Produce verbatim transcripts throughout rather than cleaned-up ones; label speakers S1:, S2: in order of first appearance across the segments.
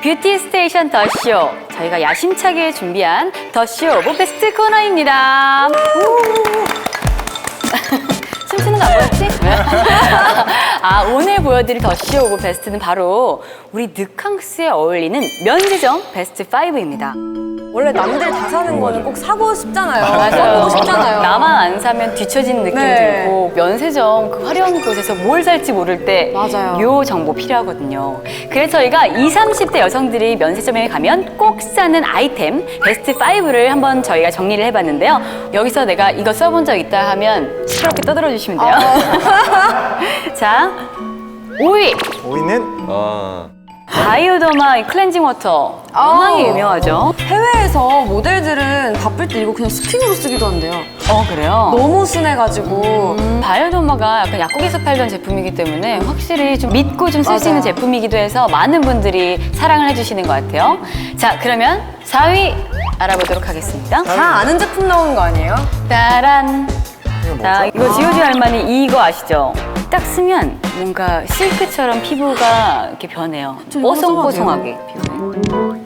S1: 뷰티 스테이션 더쇼. 저희가 야심차게 준비한 더쇼 오브 베스트 코너입니다. 춤추는 거 안 보였지? 아, 오늘 보여드릴 더쇼 오브 베스트는 바로 우리 늑캉스에 어울리는 면세점 베스트 오입니다.
S2: 원래 남들 다 사는 거는 꼭 사고 싶잖아요.
S1: 맞아요.
S2: 사고 싶잖아요.
S1: 나만 안 사면 뒤처지는 느낌
S2: 네.
S1: 들고 면세점 그 화려한 곳에서 뭘 살지 모를 때
S2: 맞아요.
S1: 요 정보 필요하거든요. 그래서 저희가 이십, 삼십 대 여성들이 면세점에 가면 꼭 사는 아이템 베스트 오를 한번 저희가 정리를 해봤는데요. 여기서 내가 이거 써본 적 있다 하면 시끄럽게 떠들어 주시면 돼요.
S2: 아.
S1: 자, 오 위
S3: 오 위는
S4: 아,
S1: 바이오더마 클렌징 워터. 워낙에
S2: 아우.
S1: 유명하죠.
S2: 해외에서 모델들은 바쁠 때 이거 그냥 스킨으로 쓰기도 한대요.
S1: 어, 그래요?
S2: 너무 순해가지고.
S1: 음, 바이오더마가 약간 약국에서 팔던 제품이기 때문에 확실히 좀 믿고 좀 쓸 수 있는
S2: 맞아요.
S1: 제품이기도 해서 많은 분들이 사랑을 해주시는 것 같아요. 자, 그러면 사 위 알아보도록 하겠습니다.
S2: 다 아는 제품 나오는 거 아니에요?
S1: 따란. 자, 이거 지오지 할머니 이거 아시죠? 딱 쓰면 뭔가 실크처럼 피부가 이렇게 변해요.
S2: 저 이거
S1: 뽀송뽀송하게 변해요.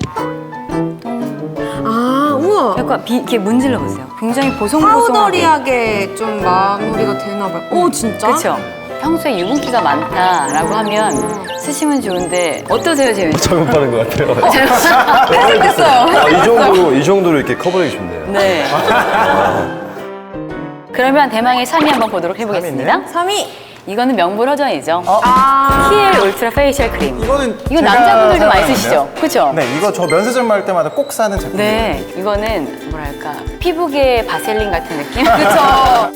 S2: 아, 우와.
S1: 약간 비, 이렇게 문질러 보세요. 굉장히 보송보송하게.
S2: 파우더리하게 좀 마무리가 되나 봐요. 오, 진짜?
S1: 그렇죠. 평소에 유분기가 많다라고 하면 쓰시면 좋은데 어떠세요, 재윤 씨?
S4: 잘못 바른 것 같아요.
S2: 됐어요.
S4: 아, 이 정도로, 이 정도로 이렇게 커버력이 좋네요.
S1: 네. 그러면 대망의 삼 위 한번 보도록 해보겠습니다.
S2: 삼 위.
S1: 이거는 명불허전이죠.
S2: 아.
S1: 키엘 울트라 페이셜 크림.
S3: 이거는
S1: 이거
S3: 제가
S1: 남자분들도 많이
S3: 사용하는데요.
S1: 쓰시죠? 그렇죠?
S3: 네, 이거 저 면세점 갈 때마다 꼭 사는 제품이에요.
S1: 네, 이거는 뭐랄까 피부계 바셀린 같은 느낌?
S2: 그쵸.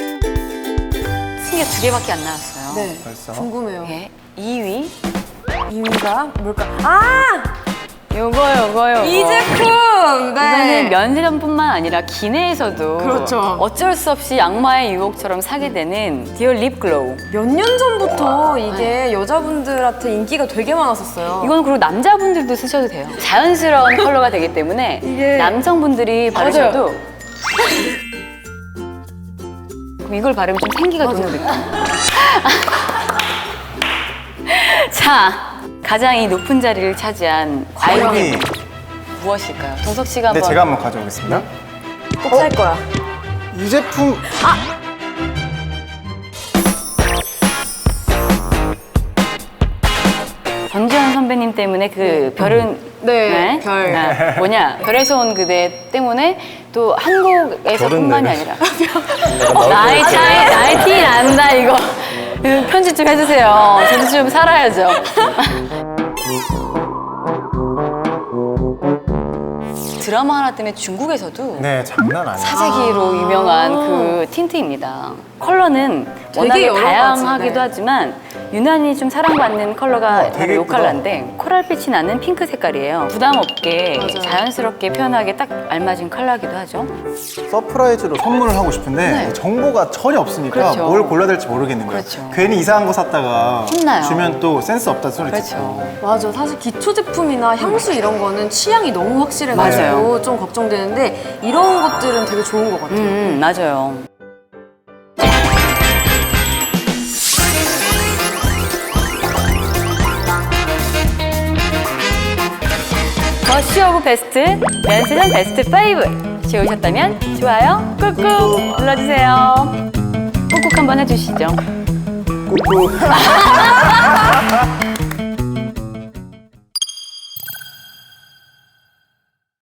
S1: 승계 두 개밖에 안 나왔어요.
S2: 네.
S3: 벌써?
S2: 궁금해요.
S1: 예, 이 위
S2: 이 위가 뭘까? 아!
S1: 요거 요거 요거
S2: 이 제품!
S1: 이거는
S2: 네.
S1: 면세점뿐만 아니라 기내에서도
S2: 그렇죠.
S1: 어쩔 수 없이 악마의 유혹처럼 사게 되는 디올 립 글로우.
S2: 몇 년 전부터 이게 여자분들한테 인기가 되게 많았었어요.
S1: 이건 그리고 남자분들도 쓰셔도 돼요. 자연스러운 컬러가 되기 때문에
S2: 이게-
S1: 남성분들이 바르셔도 그럼 이걸 바르면 좀 생기가 도는 느낌. 자, 가장 이 높은 자리를 차지한
S3: 삼
S1: 과일이
S3: 위.
S1: 무엇일까요? 동석 씨가
S3: 네,
S1: 한번.
S3: 제가 한번 가져오겠습니다.
S2: 꼭 살 거야.
S3: 이 제품
S1: 전지현 선배님 때문에 그 별은
S2: 네, 별.
S1: 아, 뭐냐 별에서 온 그대 때문에 또 한국에서뿐만이
S4: 별은
S1: 아니라 어, 나의 차이 나의 티 난다 이거 이거 편집 좀 해주세요. 저도 좀 살아야죠. 드라마 하나 때문에 중국에서도
S3: 네, 장난 아니에요.
S1: 사재기로 유명한 그 틴트입니다. 컬러는
S2: 되게
S1: 워낙에
S2: 여러 가지,
S1: 다양하기도
S2: 네.
S1: 하지만 유난히 좀 사랑받는 컬러가
S3: 어, 되게
S1: 바로 이
S3: 예쁘다.
S1: 컬러인데 코랄빛이 나는 핑크 색깔이에요. 부담 없게
S2: 맞아요.
S1: 자연스럽게 표현하기 딱 알맞은 컬러이기도 하죠.
S3: 서프라이즈로 선물을 하고 싶은데
S1: 네.
S3: 정보가 전혀 없으니까
S1: 그렇죠.
S3: 뭘 골라야 될지 모르겠는 거예요.
S1: 그렇죠.
S3: 괜히 이상한 거 샀다가
S1: 혼나요.
S3: 주면 또 센스 없다 소리
S1: 그렇죠.
S3: 듣고.
S2: 맞아. 사실 기초 제품이나 향수 이런 거는 취향이 너무 확실해가지고
S1: 맞아요.
S2: 좀 걱정되는데 이런 것들은 되게 좋은 것 같아요.
S1: 음, 맞아요. 더쇼 오브 베스트 면세점 베스트 오 좋으셨다면 좋아요 꾹꾹 눌러주세요. 꾹꾹 한번 해주시죠.
S3: 꾹꾹.